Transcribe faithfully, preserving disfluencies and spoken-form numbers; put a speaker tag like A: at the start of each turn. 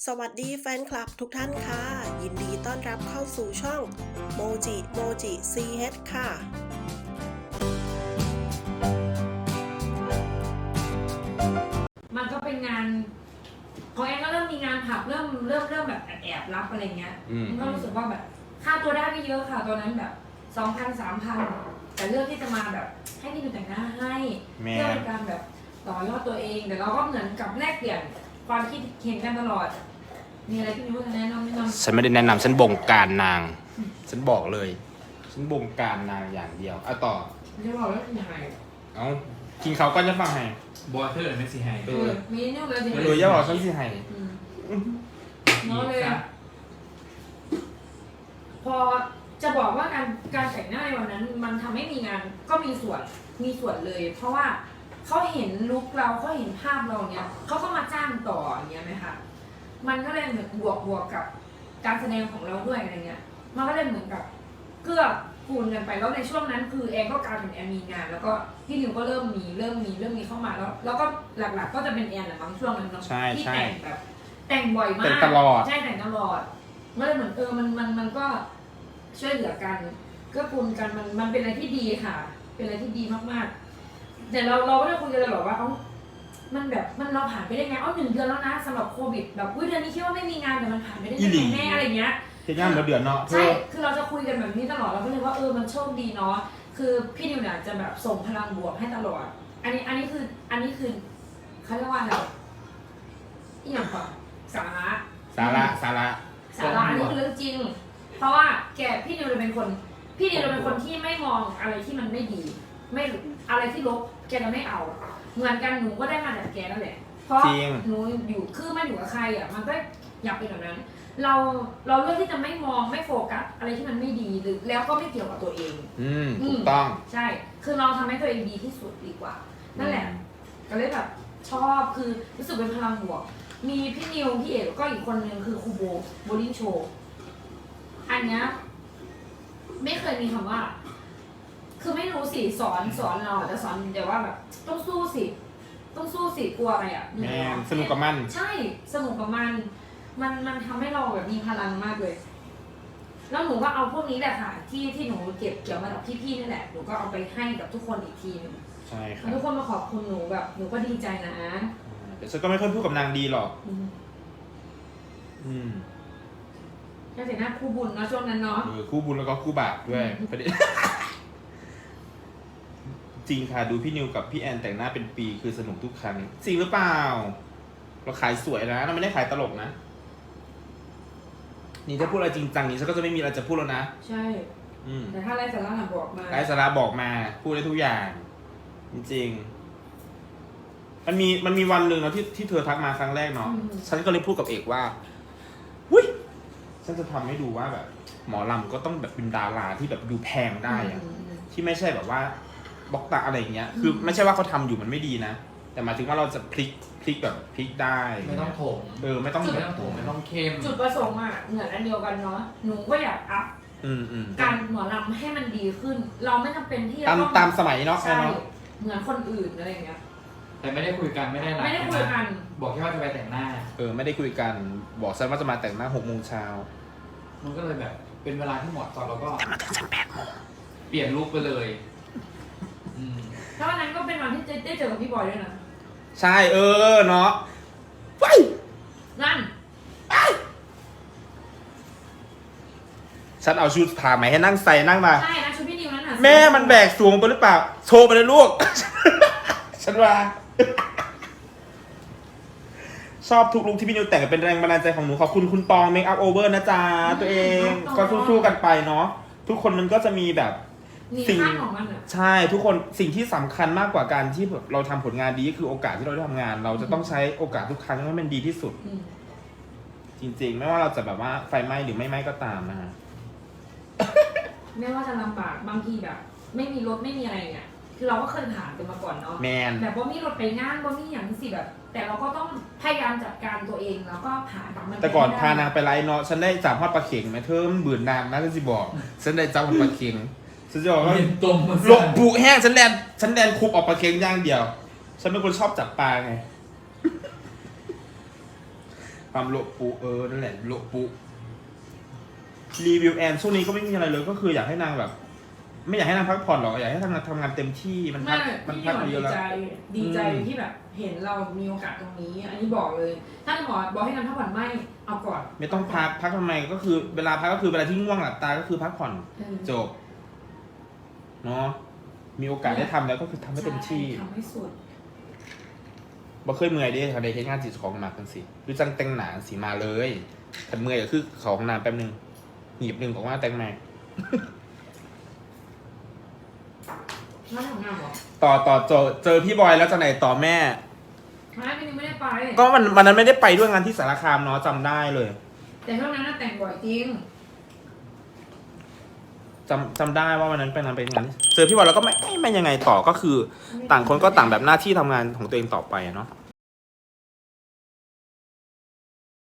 A: สวัสดีแฟนคลับทุกท่านค่ะ ยินดีต้อนรับเข้าสู่ช่องโมจิโมจิ ซี เอช ค่ะ
B: มันก็เป็นงานของแอนก็เริ่มมีงานผับเริ่มเริ่มเริ่มแบบแอบแอบรับอะไรเงี้ยมันก็รู้สึกว่าแบบค่าตัวได้ไม่เยอะค่ะตอนนั้นแบบสองพันสามพันแต่เลือกที่จะมาแบบให้พี่ดูแต่งหน้าให้เพื่อเป็นการแบบต่อยอดตัวเองแต่เราก็เหมือนกับแลกเปลี่ยนความคิดเห็นกันตลอดมีอะไรพี่นิ้วจะแนะนำแนะนำ
C: ฉันไม่ได้แนะนำฉันบงการนาง ฉันบอกเลย ฉันบงการนางอย่างเดียวอ่ะต่อ
B: ไม่ได้บอกแล้วเป็นยังไง
C: เอากินเขาก็จะฟังให้
D: บอเทอร์ไม่สิให้
B: เออมีนิ้วเลยสิ
C: เอออย่าบอกฉันสิให้
B: เนาะเลยพอจะบอกว่าการการแต่งหน้าในวันนั้นมันทำให้มีงานก็มีส่วนมีส่วนเลย เพราะว่าเขาเห็นลุคเราเขาเห็นภาพเราเนี้ยเขาก็มาจ้างต่ออย่างเงี้ยไหมคะมันก็เลยเหมือนบวกบวกกับการแสดงของเราด้วยอะไรเงี้ยมันก็เลยเหมือนกับเกื้อกูลกันไปแล้วในช่วงนั้นคือแอนก็กลายเป็นแอนมีงาน แล้วก็พี่นิวก็เริ่มมีเริ่มมีเริ่มมีเข้ามาแล้ว แล้วก็หลักๆก็จะเป็นแอนแหละบางช่วงนั้นเนาะที่แต่งแบบแต่งบ่อยมาก
C: แต่งตลอด
B: ใช่แต่งตลอดก็เลยเหมือนเออมันมันมันก็ช่วยเหลือกันเกื้อกูลกันมันมันเป็นอะไรที่ดีค่ะ เป็นอะไรที่ดีมากๆแต่เราเราก็ได้คุยกันเลยหรอว่าเขามันแบบมันเราผ่านไปได้ไงอ๋อหนึ่งเดือนแล้วนะสำหรับโควิดแบบอุ้ยเดือนนี้คิดว่าไม่มีงานแต่มันผ่านไปได้ยังไงแน่อะไรเงี้ย
C: เที่ยงมาเดือนเนาะ
B: ใช่คือเราจะคุยกันแบบนี้ตลอดเราก็เลยว่าเออมันโชคดีเนาะคือพี่นิวเนี่ยจะแบบส่งพลังบวกให้ตลอด อันนี้อันนี้คืออันนี้คือเขาเรียกว่าอะไรอีกอย่างก่อนสาระ
C: สาระสาระ
B: สาระอันนี้คือเรื่องจริง เพราะว่าแกพี่นิวเลยเป็นคน พี่นิวเลยเป็นคนที่ไม่มองอะไรที่มันไม่ดี ไม่อะไรที่ลบแกจะไม่เอา เหมือนกันหนูก็ได้มาจากแกนั่นแหละ เพราะหนูอยู่คือมันอยู่กับใครอ่ะมันก็อยากเป็นแบบนั้น เราเราเลือกที่จะไม่มองไม่โฟกัสอะไรที่มันไม่ดีหรือแล้วก็ไม่เกี่ยวกับตัวเอง
C: อืมถูกต้อง
B: ใช่ คือเราทำให้ตัวเองดีที่สุดดีกว่า นั่นแหละ ก็เลยแบบชอบคือรู้สึกเป็นพลังบวก มีพี่นิวพี่เอกก็อีกคนนึงคือครูโบโบลิ่งโชว์อันเนี้ยไม่เคยมีคำว่า คือไม่รู้สิสอนสอนเราแต่สอนเดี๋ยวว่าแบบต้องสู้สิต้องสู้สิกลัวอะไรอ่ะ
C: แมนสนุกกับมัน
B: ใช่สนุกกับมัน มันมันทำให้เราแบบมีพลังมากเลย แล้วหนูก็เอาพวกนี้แหละค่ะ ที่ที่หนูเก็บเกี่ยวมาจากพี่ๆนี่แหละหนูก็เอาไปให้กับทุกคนอีกทีนึง
C: ใช่ครั
B: แล้วทุก
C: บ
B: คนมาขอบคุณหนูแบบหนูก็ดีใจนะ
C: แต่ฉันก็ไม่ค่อยพูดกับนางดีหรอก
B: อืม
C: อืม
B: แค่แต่หน้าคู่บุญเนาะช่วงนั้นเนาะ
C: เออคู่บุญแล้วก็คู่บาปด้วยประเด็น จริงค่ะดูพี่นิวกับพี่แอนแต่งหน้าเป็นปีคือสนุกทุกครั้งจริงหรือเปล่า เราขายสวยนะเราไม่ได้ขายตลกนะ นี่ถ้าพูดอะไรจริงจังนี้ฉันก็จะไม่มีอะไรจะพูดแล้วนะ
B: ใช่
C: อืม
B: แต่ถ้าไรสาระหนักบอกมา
C: ไร้สาระบอกมาพูดได้ทุกอย่าง จริงๆมันมีมันมีวันหนึ่งเนาะที่ที่เธอทักมาครั้งแรกเนาะฉันก็เลยพูดกับเอกว่าหุ้ยฉันจะทำให้ดูว่าแบบ หมอลำก็ต้องแบบเป็นดาราที่แบบดูแพงได้อะ
B: อืม
C: ที่ไม่ใช่แบบว่าบล็อกตาอะไรอย่างเงี้ย คือไม่ใช่ว่าเขาทำอยู่มันไม่ดีนะ แต่หมายถึงว่าเราจะพลิกพลิกแบบพลิกได้
D: ไม่ต้องโถม
C: เออไม่ต้อง
D: ไม่ต้องโถมไม่ต้องเข้ม
B: จุดประสงค์อ่ะเหมือนอันเดียวกันเนาะหนูก็อยากอัพ
C: อืมอืม
B: การหมอลำให้มันดีขึ้น เราไม่จำเป็นที่จะ
C: ตาม
B: ต้อง
C: ตามสมัยเนาะ
B: ใช่
C: เนาะ
B: เหมือนคนอื่นอะไรอย่างเงี้ย
D: แต่ไม่ได้คุยกันไม่ได้นัด
B: ไม่ได้คุยกัน
D: บอกแค่ว่าจะไปแต่งหน้า
C: เออไม่ได้คุยกันบอกฉันว่าจะมาแต่งหน้าหกโมงเช้า
D: มันก็เลยแบบเป็นเวลาที่เหมาะสมแล้วก็
C: แต่มาถึงฉันแปดโมง
D: เปลี่ยนลุคไปเลยอืม
B: แล้ววันนั้นก็เป็นวันที่ได้เจอกับพี่บอยด้วยนะ
C: ใช่เออเนาะไป
B: นั่น
C: ฉันเอาชุดผ้าไหมให้นั่งใส่นั่งมา
B: ใช่นะชุดพี่นิวนั่นน่ะ
C: แม่มันแบกสูงไปหรือเปล่า โชว์ไปเลยลูก ฉันว่า ชอบทุกลุคที่พี่นิวแต่งเป็นแรงบันดาลใจของหนูขอบคุณคุณปองเมคอัพโอเวอร์นะจ๊ะตัวเองก็สู้ๆกันไปเนาะทุกคนมันก็จะมีแบบ
B: มี
C: สิ่ง
B: ค่าของมันอ่ะ
C: ใช่ทุกคนสิ่งที่สำคัญมากกว่าการที่แบบเราทำผลงานดีก็คือโอกาสที่เราได้ทำงาน เราจะต้องใช้โอกาสทุกครั้งให้มันดีที่สุด
B: อืม
C: จริงๆ ไม่ว่าเราจะแบบว่าไฟไหม้หรือไม่ไหม้ก็ตามนะฮะ
B: ไม่ว่าจะลำบากบางทีแบบ ไม่มีรถไม่มีอะไรเงี้ยคือเราก็เคยผ่านกันมาก่อนเนาะ
C: แมน
B: แบบว่ามีรถไปงานว่ามีอย่างสิแบบ แต่เราก็ต้องพยายามจัดการตัวเองแล้วก็ผ่านมัน
C: แต่ก่อน
B: ไป
C: พานางไปไลฟ์เนาะฉันได้จับฮอดปลาเข็งไหมเธอมันบื่นนางนะฉันสิบอกฉันได้จับฮอดปลาเข็งฉันจะบอกว่า
D: เห็นตมมา
C: หลบบุแห้งฉันแลนฉันแลนคุบออกปลาเข็งอย่างเดียว ฉันเป็นคนชอบจับปลาไงความโลปุเออนั่นแหละโลปุรีวิวแอนช่วงนี้ก็ไม่มีอะไรเลยก็คืออยากให้นางแบบ ไม่อยากให้นางพักผ่อนหรอกอยากให้ทำงานทำงานเต็มที่มันพั
B: ไม่
C: กมัน
B: พี่
C: พัก
B: หมอ
C: มาเย
B: ดี
C: อะแล้ว
B: ใจดีใจ
C: อืม
B: ที่แบบเห็นเรามีโอกาสตรงนี้ อันนี้บอกเลย ถ้าหมอบอกให้นำพักผ่อนไม่เอาก่อน
C: ไม่ต้องพักพักทำไมก็คือเวลาพักก็คือเวลาที่ง่วงหลับตาก็คือพักผ่อน
B: เออ
C: จบเนาะมีโอกาสได้ทำแล้วก็คือทำให้เต็มที่
B: ใช่ทำให้สุด
C: บ่เคยเมื่อยเด้ค่ะในเฮ็ดงานจิตของมากกันสิหรือจังแต่งหนาสีมาเลยขันเมื่อยก็คือเขาห้องน้ำแป๊บนึงหยิบหนึ่งออกมาแต่งมา
B: มาทำงานเหรอ
C: ต่อต่อเจอเจอพี่บอยแล้วจะไหนต่อแม่
B: ไม่พี่นี่ไม่ได้ไป
C: ก็วันวันนั้นไม่ได้ไปด้วยงานที่สารคามเนาะจำได้เลย
B: แต่ช่วงนั้นน่ะแต่งบ่อยจริง
C: จำจำได้ว่าวันนั้นไปงานไปงานเจอพี่บอยแล้วก็ไม่ไม่ไม่ยังไงต่อก็คือ ต่างคนก็ต่างแบบหน้าที่ทำงานของตัวเองต่อไปอะเนาะ